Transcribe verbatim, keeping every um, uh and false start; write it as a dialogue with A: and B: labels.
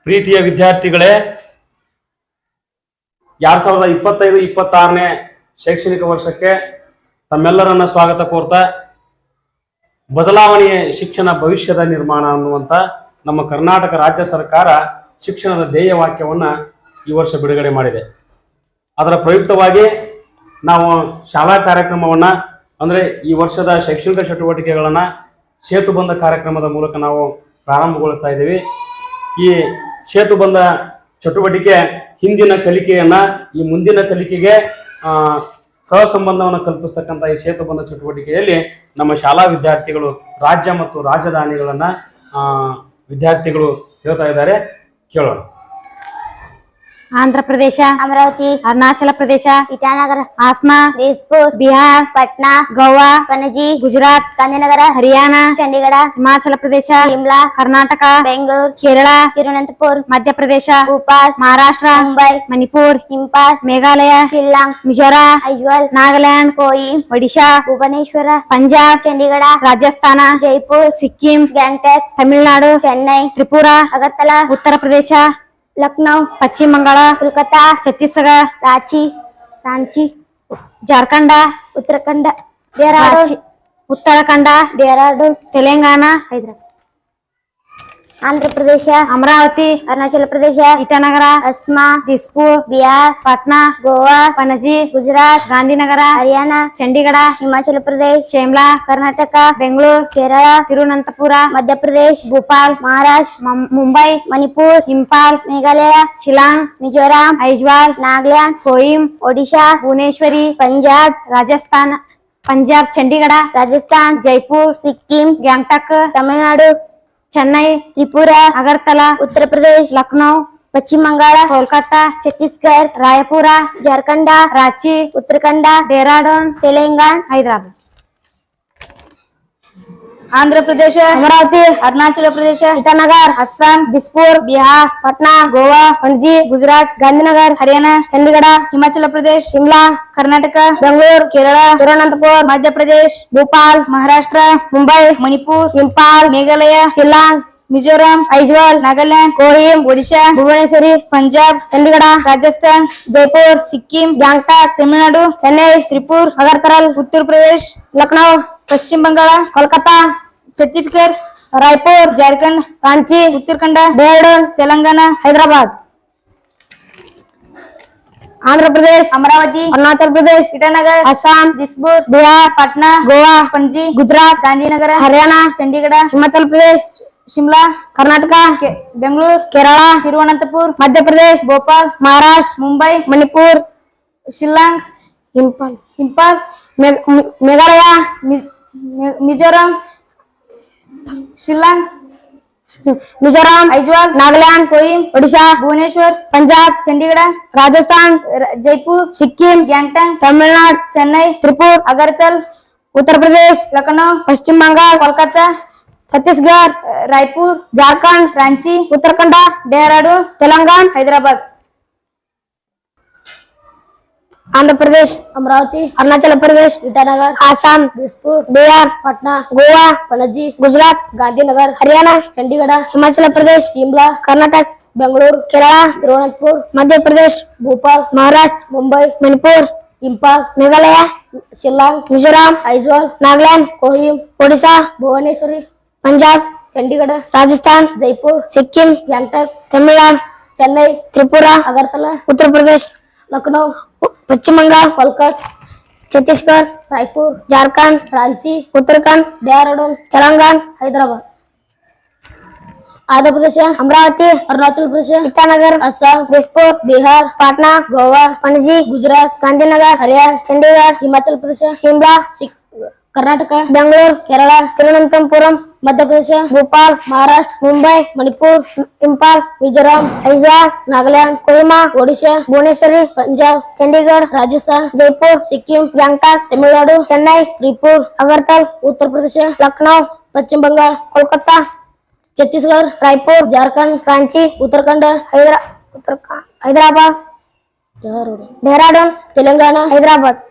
A: ಪ್ರೀತಿಯ ವಿದ್ಯಾರ್ಥಿಗಳೇ, ಎರಡ್ ಸಾವಿರದ ಇಪ್ಪತ್ತೈದು ಇಪ್ಪತ್ತಾರನೇ ಶೈಕ್ಷಣಿಕ ವರ್ಷಕ್ಕೆ ತಮ್ಮೆಲ್ಲರನ್ನ ಸ್ವಾಗತ ಕೋರ್ತಾ ಬದಲಾವಣೆಯ ಶಿಕ್ಷಣ ಭವಿಷ್ಯದ ನಿರ್ಮಾಣ ಅನ್ನುವಂಥ ನಮ್ಮ ಕರ್ನಾಟಕ ರಾಜ್ಯ ಸರ್ಕಾರ ಶಿಕ್ಷಣದ ಧ್ಯೇಯ ವಾಕ್ಯವನ್ನು ಈ ವರ್ಷ ಬಿಡುಗಡೆ ಮಾಡಿದೆ. ಅದರ ಪ್ರಯುಕ್ತವಾಗಿ ನಾವು ಶಾಲಾ ಕಾರ್ಯಕ್ರಮವನ್ನು ಅಂದರೆ ಈ ವರ್ಷದ ಶೈಕ್ಷಣಿಕ ಚಟುವಟಿಕೆಗಳನ್ನು ಸೇತುಬಂಧ ಕಾರ್ಯಕ್ರಮದ ಮೂಲಕ ನಾವು ಪ್ರಾರಂಭಗೊಳಿಸ್ತಾ ಇದ್ದೀವಿ. ಈ ಸೇತುಬಂಧ ಚಟುವಟಿಕೆ ಹಿಂದಿನ ಕಲಿಕೆಯನ್ನು ಈ ಮುಂದಿನ ಕಲಿಕೆಗೆ ಸಹಸಂಬಂಧವನ್ನು ಕಲ್ಪಿಸ್ತಕ್ಕಂಥ ಈ ಸೇತುಬಂಧ ಚಟುವಟಿಕೆಯಲ್ಲಿ ನಮ್ಮ ಶಾಲಾ ವಿದ್ಯಾರ್ಥಿಗಳು ರಾಜ್ಯ ಮತ್ತು ರಾಜಧಾನಿಗಳನ್ನು ವಿದ್ಯಾರ್ಥಿಗಳು ಹೇಳ್ತಾ ಇದ್ದಾರೆ. ಕೇಳೋಣ.
B: आंध्र प्रदेश,
C: अमरावती,
B: अरुणाचल प्रदेश,
C: ईटानगर,
B: आसमा,
C: दिसपुर,
B: बिहार,
C: पटना,
B: गोवा,
C: पणजी,
B: गुजरात,
C: गांधीनगर,
B: हरियाणा,
C: चंडीगढ़,
B: हिमाचल प्रदेश,
C: शिमला,
B: कर्नाटक,
C: बेंगलुरु,
B: केरल,
C: तिरुवनंतपुर,
B: मध्य प्रदेश,
C: भोपाल,
B: महाराष्ट्र,
C: मुंबई,
B: मणिपुर,
C: इंफाल,
B: मेघालय,
C: शिल्लांग,
B: मिजोरम,
C: ऐज्वाल,
B: नागालैंड,
C: कोहिम,
B: ओडिशा,
C: भुवनेश्वर,
B: पंजाब,
C: चंडीगढ़,
B: राजस्थान,
C: जयपुर,
B: सिक्किम,
C: गैंगटॉक,
B: तमिलनाडु,
C: चेन्नई,
B: त्रिपुरा,
C: अगरतला,
B: उत्तर प्रदेश,
C: लखनऊ,
B: पश्चिम बंगाल,
C: कोलकाता,
B: छत्तीसगढ़,
C: रांची, रांची,
B: झारखंड,
C: उत्तराखंड, देहरादून,
B: उत्तराखंड,
C: देहरादून,
B: तेलंगाना,
C: हैदराबाद, आंध्र प्रदेश,
B: अमरावती,
C: अरुणाचल प्रदेश,
B: ईटानगर,
C: अस्मा,
B: दिसपुर,
C: बिहार,
B: पटना,
C: गोवा,
B: पणजी,
C: गुजरात,
B: गांधीनगर,
C: हरियाणा,
B: चंडीगढ़,
C: हिमाचल प्रदेश,
B: शिमला,
C: कर्नाटक,
B: बेंगलुरु,
C: केरल,
B: तिरुवनंतपुर,
C: मध्य प्रदेश,
B: भोपाल,
C: महाराष्ट्र,
B: मुंबई,
C: मणिपुर,
B: इंफाल,
C: मेघालय,
B: शिलांग,
C: मिजोरम,
B: ऐज्वाल,
C: नागालैंड,
B: कोहिम,
C: ओडिशा,
B: भुवनेश्वरी,
C: पंजाब,
B: राजस्थान, पंजाब, चंडीगढ़,
C: राजस्थान,
B: जयपुर,
C: सिक्किम,
B: गैंगटॉक,
C: तमिलनाडु,
B: चेन्नई,
C: त्रिपुरा,
B: अगरतला,
C: उत्तर प्रदेश,
B: लखनऊ,
C: पश्चिम बंगाल,
B: कोलकाता,
C: छत्तीसगढ़,
B: रायपुर,
C: झारखंड,
B: रांची,
C: उत्तराखंड,
B: देहरादून,
C: तेलंगाना,
B: हैदराबाद,
C: आंध्र प्रदेश,
B: अमरावती,
C: अरुणाचल प्रदेश,
B: ईटानगर,
C: असम,
B: दिसपुर,
C: बिहार,
B: पटना,
C: गोवा,
B: पणजी,
C: गुजरात,
B: गांधीनगर,
C: हरियाणा,
B: चंडीगढ़,
C: हिमाचल प्रदेश,
B: शिमला,
C: कर्नाटक,
B: बेंगलुरु,
C: केरल,
B: तिरुवनंतपुर,
C: मध्य प्रदेश,
B: भोपाल,
C: महाराष्ट्र,
B: मुंबई,
C: मणिपुर,
B: इंफाल,
C: मेघालय,
B: शिलांग,
C: मिजोरम,
B: ऐज्वाल,
C: नागालैंड,
B: कोहिम,
C: ओडिशा,
B: भुवनेश्वरी,
C: पंजाब,
B: चंडीगढ़,
C: राजस्थान,
B: जयपुर,
C: सिक्किम,
B: गैंगटॉक,
C: तमिलनाडु,
B: चेन्नई,
C: त्रिपुरा,
B: अगरतला,
C: उत्तर प्रदेश,
B: लखनऊ,
C: पश्चिम बंगाल,
B: कोलकाता,
C: छत्तीसगढ़,
B: रायपुर,
C: झारखंड,
B: रांची,
C: उत्तराखंड,
B: देहरादून,
C: तेलंगाना,
B: हैदराबाद, आंध्र प्रदेश,
C: अमरावती,
B: अरुणाचल प्रदेश,
C: ईटानगर,
B: असम,
C: दिसपुर,
B: बिहार,
C: पटना,
B: गोवा,
C: पणजी,
B: गुजरात,
C: गांधीनगर,
B: हरियाणा,
C: चंडीगढ़,
B: हिमाचल प्रदेश,
C: शिमला,
B: कर्नाटक,
C: बेंगलुरु,
B: केरल,
C: तिरुवनंतपुर,
B: मध्य प्रदेश,
C: भोपाल,
B: महाराष्ट्र,
C: मुंबई,
B: मणिपुर,
C: शिलांग,
B: इंफाल,
C: इंफाल,
B: मे- मे- मेघालय,
C: मिज- मि- मिजोरम, शिलांग,
B: मिजोरम,
C: ऐज्वाल,
B: नागालैंड,
C: कोहिम,
B: ओडिशा,
C: भुवनेश्वर,
B: पंजाब,
C: चंडीगढ़,
B: राजस्थान,
C: र- जयपुर,
B: सिक्किम,
C: गैंगटॉक,
B: तमिलनाडु,
C: चेन्नई,
B: त्रिपुरा,
C: अगरतल,
B: उत्तर प्रदेश,
C: लखनऊ,
B: पश्चिम बंगाल,
C: कोलकाता,
B: छत्तीसगढ़,
C: रायपुर,
B: झारखंड,
C: रांची,
B: उत्तराखंड,
C: देहरादून,
B: तेलंगाना,
C: हैदराबाद,
B: आंध्र प्रदेश,
C: अमरावती,
B: अरुणाचल प्रदेश,
C: ईटानगर,
B: आसाम,
C: दिसपुर,
B: बिहार,
C: पटना,
B: गोवा,
C: पणजी,
B: गुजरात,
C: गांधीनगर,
B: हरियाणा,
C: चंडीगढ़,
B: हिमाचल प्रदेश,
C: शिमला,
B: कर्नाटक,
C: बेंगलुरु,
B: केरल,
C: तिरुवनंतपुर,
B: मध्य प्रदेश,
C: भोपाल,
B: महाराष्ट्र,
C: मुंबई,
B: मणिपुर,
C: इंफाल,
B: मेघालय,
C: शिलांग,
B: मिजोरम,
C: ऐज्वाल,
B: नागालैंड,
C: कोहिम,
B: ओडिशा,
C: भुवनेश्वरी,
B: पंजाब,
C: चंडीगढ़,
B: राजस्थान,
C: जयपुर,
B: सिक्किम,
C: गैंगटॉक,
B: तमिलनाडु,
C: चेन्नई,
B: त्रिपुरा,
C: अगरतला,
B: उत्तर प्रदेश,
C: लखनऊ,
B: पश्चिम बंगाल,
C: कोलकाता,
B: छत्तीसगढ़,
C: रायपुर,
B: झारखंड,
C: रांची,
B: उत्तराखंड,
C: देहरादून,
B: तेलंगाना,
C: हैदराबाद, आंध्र प्रदेश,
B: अमरावती,
C: अरुणाचल प्रदेश,
B: ईटानगर,
C: असम,
B: दिसपुर,
C: बिहार,
B: पटना,
C: गोवा,
B: पणजी,
C: गुजरात,
B: गांधीनगर,
C: हरियाणा,
B: चंडीगढ़,
C: हिमाचल प्रदेश,
B: शिमला,
C: सिक- कर्नाटक,
B: बेंगलुरु,
C: केरल,
B: तिरुवनंतपुरम,
C: मध्य प्रदेश,
B: भोपाल,
C: महाराष्ट्र,
B: मुंबई,
C: मणिपुर,
B: इंफाल,
C: मिजोरम,
B: ऐज्वाल,
C: नागालैंड,
B: कोहिमा,
C: ओडिशा,
B: भुवनेश्वरी,
C: पंजाब,
B: चंडीगढ़,
C: राजस्थान,
B: जयपुर,
C: सिक्किम,
B: गैंगटॉक,
C: तमिलनाडु,
B: चेन्नई,
C: त्रिपुरा,
B: अगरतला,
C: उत्तर प्रदेश,
B: लखनऊ,
C: पश्चिम बंगाल,
B: कोलकाता,
C: छत्तीसगढ़,
B: रायपुर,
C: झारखंड,
B: रांची,
C: उत्तराखंड,
B: हैदरा उत्तराखंड हैदराबाद,
C: देहरादून,
B: देहरादून,
C: तेलंगाना,
B: हैदराबाद,